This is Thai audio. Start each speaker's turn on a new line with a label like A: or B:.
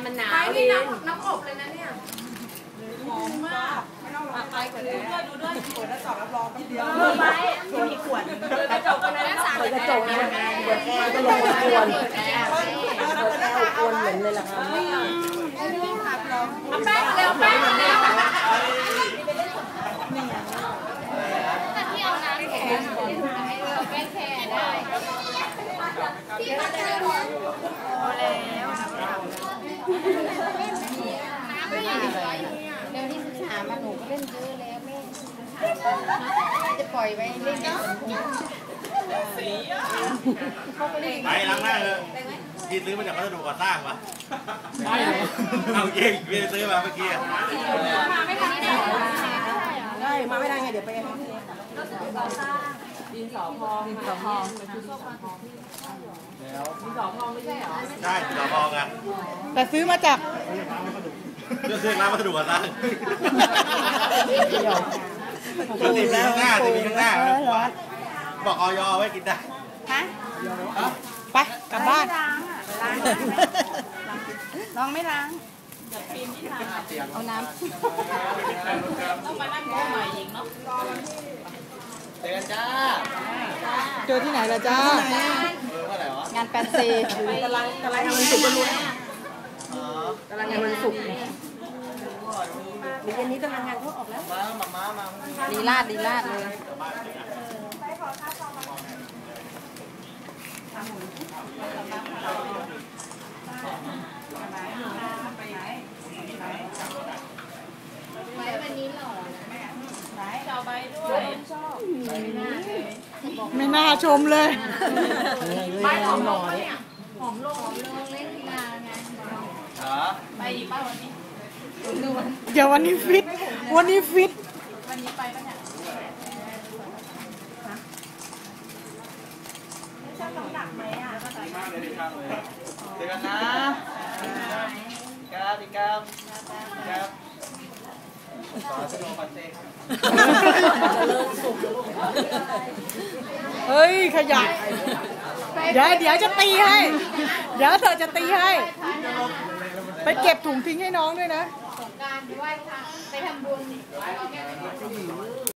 A: มันหนาว
B: ไปนี่น้ำอบเลยนะเนี่ยหอมมากไปกันเลยดูด้วยเปิดหน้าจอรับรองทีเดียวไปมีขวดกระจกตรงนั้นสั่งกระจกนะ
C: เปิดแอร์ก็ลงมาควรเปิดแอร์ควรเหม็นเลยล่ะครับ
B: แป้งเร็วแป้งเร็ว
A: ที่เอาน้ำแข็งให้เราแก้แค่ได้ที่มาเจอพอแล้วน้ำไม่อยู่เดี๋ยวนี้13มาหนูก็เล่นเยอะแล้วแม่จะปล่อยไว้เล่น
D: ไปล้างหน้าเลยกินซื้อมาจากวัสดุก่อสร้างวะเอาเองไม่ได้ซื้อมาเมื่อกี้
B: มาไม่ทันได้
C: ได้มาไม่ได้ไงเดี๋ยวไป
B: ดินสอพองดินสอพองดินสอพองไม่ใช่เหรอ
D: ใช่ต่อพองอ่ะ
C: แต่ซื้อมาจาก
D: ซื้อร้านวัสดุก่อสร้างตีมีข้างหน้าตีมีข้างหน้าบอกออยไว้กินได้
A: ฮะ
C: ไปกลับบ้าน
A: ลองไม่ล้างเอาน้ำ
B: ต้องมานั่งโม้ใหม่อีกเนาะ
D: เจอกันจ้า
C: เจอที่ไหนล่ะจ้า
D: ว่าอะไรวะ
A: งานแฟนซี
C: กำลังทำมันสุกกันรู้กำลังงานมันสุกเดี๋ยวเย็นนี้กำลังงานเขาออกแล้ว
D: มา
A: ลีลาดเลยวันนี้หล่อนะ
B: ชาวใบด้วย
C: ไม่น่าชมเลย
B: ใบหอมลงหอมลง
A: เล่นกีฬาไง
B: ไปอีกป้าวันนี้
C: เดี๋ยววันนี้ฟิต
B: วันนี้ไปปะเนี่ยชอบน้ำหนักไหมอ่ะ
D: เจอกันนะครับอีกครับ
C: เฮ้ยขยะเดี๋ยวจะตีให้เดี๋ยวเธอจะตีให้ไปเก็บถุงทิ้งให้น้องด้วยนะ
A: สงกรานต์ด้วยค่ะไปทำบุญ